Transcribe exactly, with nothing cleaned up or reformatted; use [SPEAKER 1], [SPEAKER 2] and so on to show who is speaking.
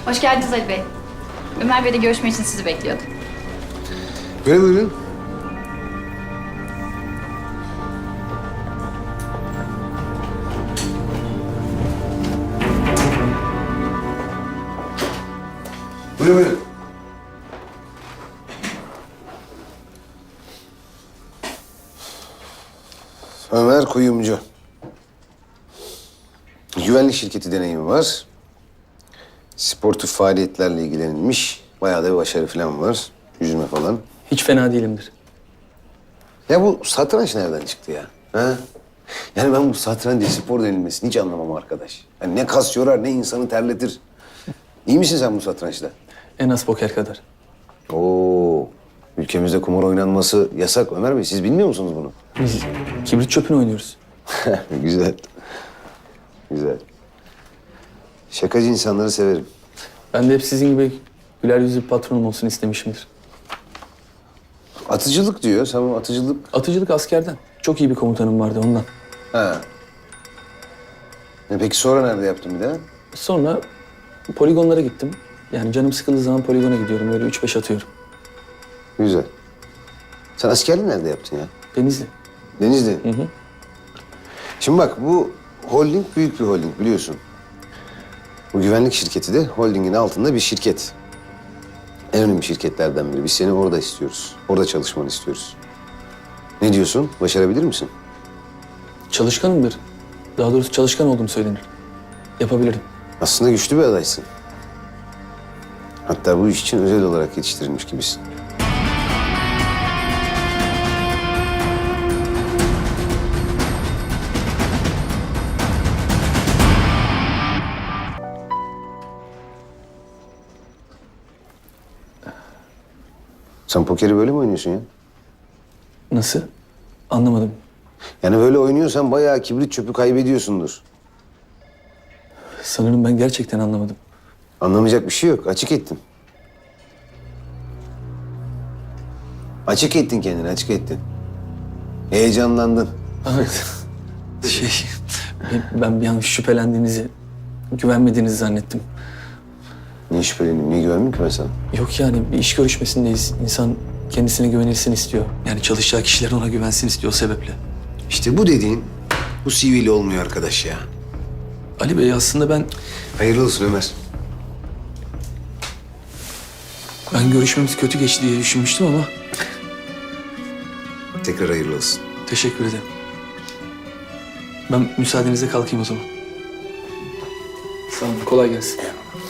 [SPEAKER 1] Hoş geldiniz Ali Bey. Ömer Bey'le görüşmek için sizi bekliyordu.
[SPEAKER 2] Böyle buyurun. Buyurun buyurun. Ömer Kuyumcu. Güvenlik şirketi deneyimi var. Sportif faaliyetlerle ilgilenilmiş. Bayağı da bir başarı falan var. Yüzme falan.
[SPEAKER 3] Hiç fena değilimdir.
[SPEAKER 2] Ya bu satranç nereden çıktı ya? Ha? Yani ben bu satranç spor denilmesini hiç anlamam arkadaş. Yani ne kas yorar ne insanı terletir. İyi misin sen bu satrançta?
[SPEAKER 3] En az poker kadar.
[SPEAKER 2] Oo, ülkemizde kumar oynanması yasak Ömer Bey. Siz bilmiyor musunuz bunu?
[SPEAKER 3] Biz kibrit çöpünü oynuyoruz.
[SPEAKER 2] Güzel. Güzel. Şakacı insanları severim.
[SPEAKER 3] Ben de hep sizin gibi güler yüzlü bir patronum olsun istemişimdir.
[SPEAKER 2] Atıcılık diyor. Sen bu atıcılık...
[SPEAKER 3] Atıcılık askerden. Çok iyi bir komutanım vardı ondan.
[SPEAKER 2] Ha. E peki sonra nerede yaptın bir daha?
[SPEAKER 3] Sonra poligonlara gittim. Yani canım sıkıldığı zaman poligona gidiyorum. Böyle üç beş atıyorum.
[SPEAKER 2] Güzel. Sen askerliği nerede yaptın ya?
[SPEAKER 3] Denizli.
[SPEAKER 2] Denizli.
[SPEAKER 3] Hı hı.
[SPEAKER 2] Şimdi bak bu holding büyük bir holding biliyorsun. Bu güvenlik şirketi de holdingin altında bir şirket. En önemli şirketlerden biri. Biz seni orada istiyoruz. Orada çalışmanı istiyoruz. Ne diyorsun? Başarabilir misin?
[SPEAKER 3] Çalışkanımdır. Daha doğrusu çalışkan olduğum söylenir. Yapabilirim.
[SPEAKER 2] Aslında güçlü bir adaysın. Hatta bu iş için özel olarak yetiştirilmiş gibisin. Sen pokeri böyle mi oynuyorsun ya?
[SPEAKER 3] Nasıl? Anlamadım.
[SPEAKER 2] Yani böyle oynuyorsan bayağı kibrit çöpü kaybediyorsundur.
[SPEAKER 3] Sanırım ben gerçekten anlamadım.
[SPEAKER 2] Anlamayacak bir şey yok. Açık ettin. Açık ettin kendini, açık ettin. Heyecanlandın.
[SPEAKER 3] Evet. Şey, ben, ben bir an şüphelendiğinizi, güvenmediğinizi zannettim.
[SPEAKER 2] Niye şüphelendin, niye güvenmedin ki ben sana?
[SPEAKER 3] Yok yani bir iş görüşmesindeyiz. İnsan kendisine güvenilsin istiyor. Yani çalışacağı kişiler ona güvensin istiyor o sebeple.
[SPEAKER 2] İşte bu dediğin, bu C V ile olmuyor arkadaş ya.
[SPEAKER 3] Ali Bey aslında ben,
[SPEAKER 2] Hayırlı olsun Ömer.
[SPEAKER 3] ben görüşmemiz kötü geçti diye düşünmüştüm ama
[SPEAKER 2] Tekrar hayırlı olsun.
[SPEAKER 3] teşekkür ederim. Ben müsaadenizle kalkayım o zaman. Sağ olun, kolay gelsin.